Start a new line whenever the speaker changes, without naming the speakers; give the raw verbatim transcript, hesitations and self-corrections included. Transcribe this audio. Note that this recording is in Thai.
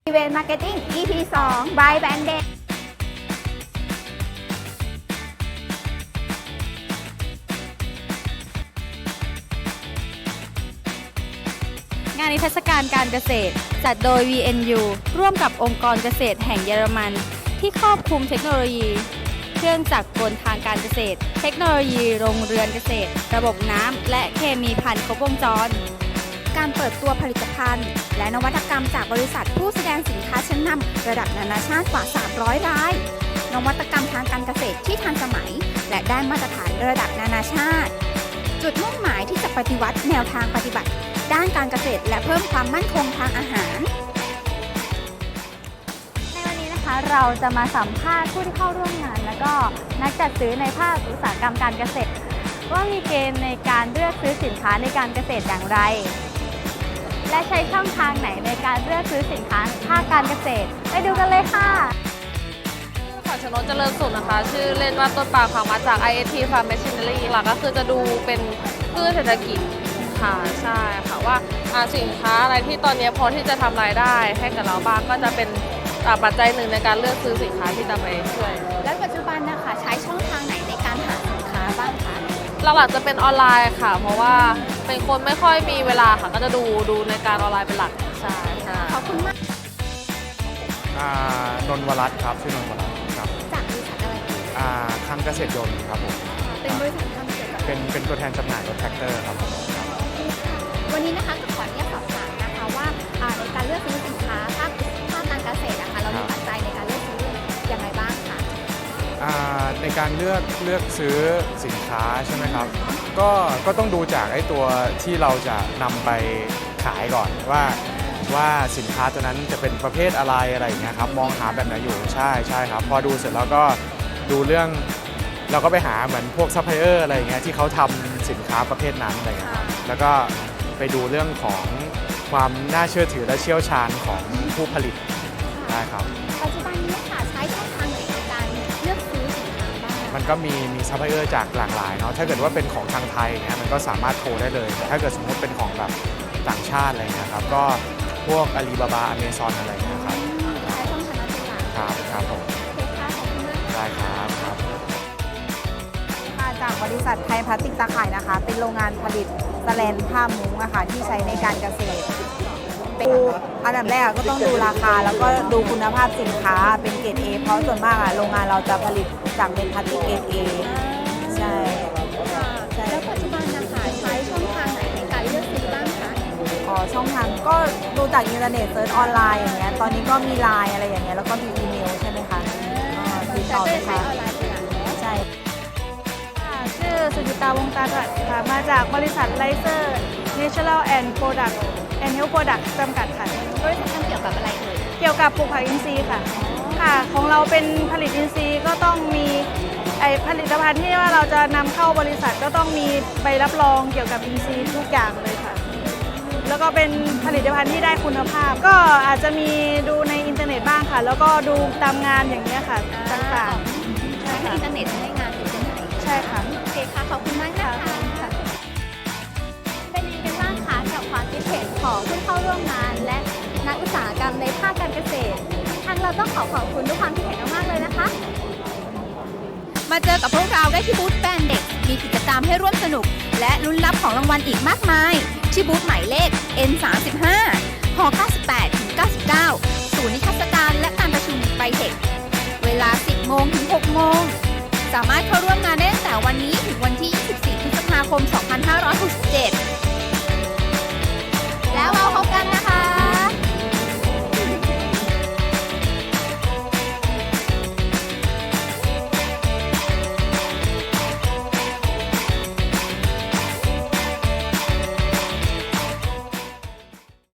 อีเวนต์มาร์เก็ตติ้ง อี พี สอง by Bandit
งานนิทรรศการการเกษตรจัดโดย วี เอ็น ยู ร่วมกับองค์กรเกษตรแห่งเยอรมันที่ครอบคลุมเทคโนโลยี เครื่องจักรกลทางการเกษตร เทคโนโลยีโรงเรือนเกษตร ระบบน้ำและเคมีภัณฑ์ครบวงจร
การเปิดตัวผลิตภัณฑ์และนวัตกรรมจากบริษัทผู้แสดงสินค้าชั้นนำระดับนานาชาติกว่า สามร้อย ราย นวัตกรรมทางการเกษตรที่ทันสมัย และได้มาตรฐานระดับนานาชาติ จุดมุ่งหมายที่จะปฏิวัติแนวทางปฏิบัติ ด้านการเกษตรและเพิ่มความมั่นคงทางอาหาร
ในวันนี้นะคะเราจะมาสัมภาษณ์ผู้ที่เข้าร่วมงาน และก็นักจัดซื้อในภาคอุตสาหกรรมการเกษตร ว่ามีเกณฑ์ในการเลือกซื้อสินค้าในการเกษตรอย่างไร และใช้ช่องทางไหนในการเลือกซื้อสินค้าภาคการเกษตรไปดูกันเลยค่ะ
ขวัญชนกเจริญสุขนะคะ ชื่อเล่นว่าต้นปาล์มค่ะมาจาก ไอ เอส ที Farm Machinery หลักก็คือจะดูเป็นพืชเศรษฐกิจค่ะใช่ค่ะว่าสินค้าอะไรที่ตอนนี้พอที่จะทำรายได้ให้กับเราบ้างก็จะเป็นปัจจัยหนึ่งในการเลือกซื้อสินค้าที่จะไปช่วย
และปัจจุบันนะคะใช้ช่องทางไหนในการหาสินค้าบ้างคะ
หลักๆจะเป็นออนไลน์ค่ะ เพราะว่าเป็นคนไม่ค่อยมีเวลาค่ะก็จะดูดูในการออนไลน์เป็นหลักใช่ใช่
ขอบคุณมาก
อ่านนท์วรัตน์ครับชื่อนนท์วรัตน์ครับ
จากบริษัทอะไรคะ
อ่าคำเกษตรยนต์ครับผม
เป็นบริษัททำเกี่ยวกับ
เป็นเป็นตัวแทนจำหน่ายรถแท็กเตอร์ครับผมครับ
วันนี้นะคะขออนุญาตสอบถามนะคะว่าอ่าในการเลือกซื้อสินค้าภาคภาคการเกษตรนะคะเรามีปัจจัยในการเลือกซื้อยังไงบ้างคะ
อ่าในการเลือกเลือกซื้อสินค้าใช่ไหมครับก็ก็ต้องดูจากไอ้ตัวที่เราจะนำไปขายก่อนว่าว่าสินค้าตัวนั้นจะเป็นประเภทอะไรอะไรอย่างเงี้ยครับมองหาแบบไหนอยู่ใช่ใช่ครับพอดูเสร็จแล้วก็ดูเรื่องเราก็ไปหาเหมือนพวกซัพพลายเออร์อะไรอย่างเงี้ยที่เขาทำสินค้าประเภทนั้นอะไรอย่างเงี้ยครับแล้วก็ไปดูเรื่องของความน่าเชื่อถือและเชี่ยวชาญของผู้ผลิตได้ครับ
ปัจจุบันนี้ค่ะใช้ช่องทางไหนในการเลือกซื้อสินค้าบ้าง
มันก็มีมีซัพพลายเออร์จากหลากหลายเนาะถ้าเกิดว่าเป็นของทางไทยอย่างเงี้ยมันก็สามารถโทรได้เลยแต่ถ้าเกิดสมมติเป็นของแบบต่างชาติอะไรเงี้ยครับก็พวกอาลีบาบาอเมซอนอะไรเงี้ยครับ
ใช้ช่องทางนั้นเป็นหลัก
ครับครับผม
โอเคค่ะขอบคุณมากค่ะ
ได้ครับครับ
มาจากบริษัทไทยพลาสติกตาข่ายนะคะ เป็นโรงงานผลิตสแลนผ้ามุ้งอะค่ะที่ใช้ในการเกษตรดูอันดับแรกก็ต้องดูราคาแล้วก็ดูคุณภาพสินค้าเป็นเกรด A เพราะส่วนมากอะโรงงานเราจะผลิตจากเป็นพลาสติกเกรด A ใช่ ใช่
แล้วปัจจุบันนะคะใช้ช่องทางไหนในการเลือกซื้อบ้างคะ
อ๋อช่องทางก็ดูจากอินเทอร์เน็ตเซิร์ชออนไลน์อย่างเงี้ยตอนนี้ก็มีไลน์อะไรอย่างเงี้ยแล้วก็มีอีเมลใช่ไหมคะอ่าติด
แต่
ต่อ
ก็
ไหม
จะใช้
คะ
ออนไลน์เป็นหลัก
ใช่
ชื่อสุจิตาวงศ์ตาตรัสค่ะ มาจากบริษัทไลเซอร์ Natural and Product and Health Product จำกัดค่ะ
บริษัททำเกี่ยวกับอะไรเอ่ย
เกี่ยวกับปลูกผักอินทรีย์ค่ะ ค่ะ ของเราเป็นผลิตอินทรีย์ก็ต้องมีไอผลิตภัณฑ์ที่ว่าเราจะนำเข้าบริษัทก็ต้องมีใบรับรองเกี่ยวกับอินทรีย์ทุกอย่างเลยค่ะ แล้วก็เป็นผลิตภัณฑ์ที่ได้คุณภาพ ก็อาจจะมีดูในอินเทอร์เน็ตบ้างค่ะ แล้วก็ดูตามงานอย่างนี้ยค่ะต่างๆ
ใช้อินเทอร์เน็ตให้งานอยู่ที่ไหน
ใช่ค่ะ
โอเคค่ะ ขอบคุณมากนะคะเป็นยังไงกันบ้างคะกับความคิดเห็นของผู้เข้าร่วมงาน และนักอุตสาหกรรมในภาคการเกษตร ทางเราต้องขอขอบคุณทุกความคิดเห็นมากๆเลยนะคะ มาเจอกับพวกเราได้ที่บูธแบรนด์เด็ก มีกิจกรรมให้ร่วมสนุก และลุ้นรับของรางวัลอีกมากมาย ที่บูธหมายเลข เอ็น สามสิบห้า ห เก้าสิบแปดถึงเก้าสิบเก้า ศูนย์นิทรรศการและการประชุมไบเทค เวลา สิบโมงถึงหกโมง สามารถเข้าร่วมงานได้ตั้งแต่วันนี้ถึงวันที่ ยี่สิบสี่ พฤษภาคม สองพันห้าร้อยหกสิบ